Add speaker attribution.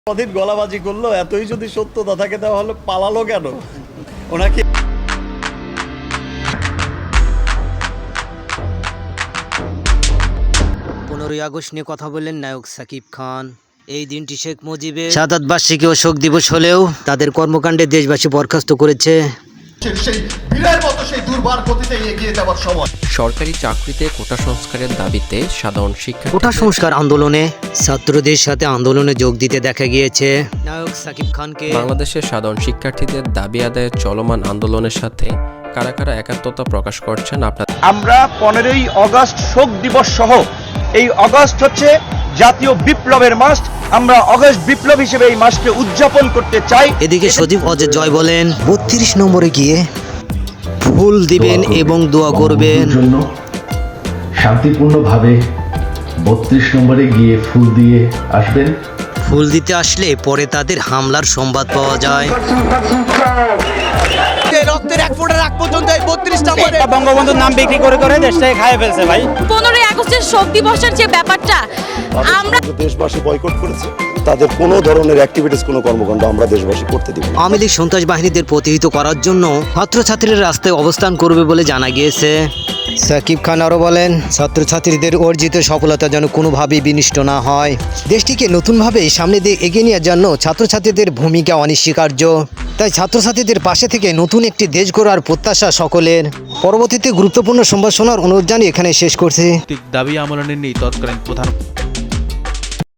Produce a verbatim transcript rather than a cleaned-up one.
Speaker 1: কদিন গলাবাজি করলো, এতই যদি সত্যতা থাকে তাহলে পালালো কেন ওনাকে?
Speaker 2: পনেরোই আগস্ট নিয়ে কথা বললেন নায়ক সাকিব খান। এই দিনটি শেখ মুজিবের শাহাদাত বার্ষিকী ও শোক দিবস হলেও তাদের কর্মকাণ্ডে দেশবাসী বরখাস্ত করেছে।
Speaker 3: সেই বীরের মতো সেই দুর্বার গতিতে এগিয়ে যাওয়ার সময়
Speaker 4: সরকারি চাকরিতে কোটা সংস্কারের দাবিতে সাধারণ শিক্ষা
Speaker 2: কোটা সংস্কার আন্দোলনে ছাত্রদের সাথে আন্দোলনে যোগ দিতে দেখা গিয়েছে নায়ক সাকিব খানকে।
Speaker 4: বাংলাদেশের সাধারণ শিক্ষার্থীদের দাবি আদায়ের চলমান আন্দোলনের সাথে কারা কারা একাত্মতা প্রকাশ করছেন আপনার?
Speaker 5: আমরা পনেরোই আগস্ট শোক দিবস সহ এই আগস্ট হচ্ছে জাতীয় বিপ্লবের মাস। আমরা আগস্ট বিপ্লব হিসেবে এই মাসকে উদযাপন করতে চাই।
Speaker 2: এদিকে সজীব অজয় জয় বলেন বত্রিশ নম্বরে গিয়ে ফুল দিবেন এবং দোয়া করবেন।
Speaker 6: জন্য শান্তিপূর্ণভাবে বত্রিশ নম্বরে গিয়ে ফুল দিয়ে আসবেন।
Speaker 2: ফুল দিতে আসলে পরে তাদের হামলার সংবাদ পাওয়া যায়।
Speaker 7: বঙ্গবন্ধুর নাম বিক্রি করে করে দেশটাকে খাইয়ে ফেলছে ভাই।
Speaker 8: পনেরোই আগস্টের শোক দিবসের যে ব্যাপারটা আমরা
Speaker 1: দেশবাসী বয়কট করেছে, তাদের কোনো ধরনের অ্যাক্টিভিটিস, কোনো কর্মকাণ্ড আমরা দেশবাসী করতে দিব না।
Speaker 2: আওয়ামী লীগ সন্ত্রাস বাহিনীদের প্রতিহত করার জন্য ছাত্রছাত্রীরা রাস্তায় অবস্থান করবে বলে জানা গিয়েছে। সাকিব খান আরও বলেন ছাত্রছাত্রীদের অর্জিত সফলতা যেন কোনোভাবেই বিনষ্ট না হয়। দেশটিকে নতুনভাবে সামনে দিয়ে এগিয়ে নেওয়ার জন্য ছাত্রছাত্রীদের ভূমিকা অনস্বীকার্য। তাই ছাত্রছাত্রীদের পাশে থেকে নতুন একটি দেশ গড়ার প্রত্যাশা সকলের। পরবর্তীতে গুরুত্বপূর্ণ সংবাদ শোনার অনুরোধ জানিয়ে এখানে শেষ করছি।
Speaker 9: দাবি আমলে নেই তৎকালীন প্রধান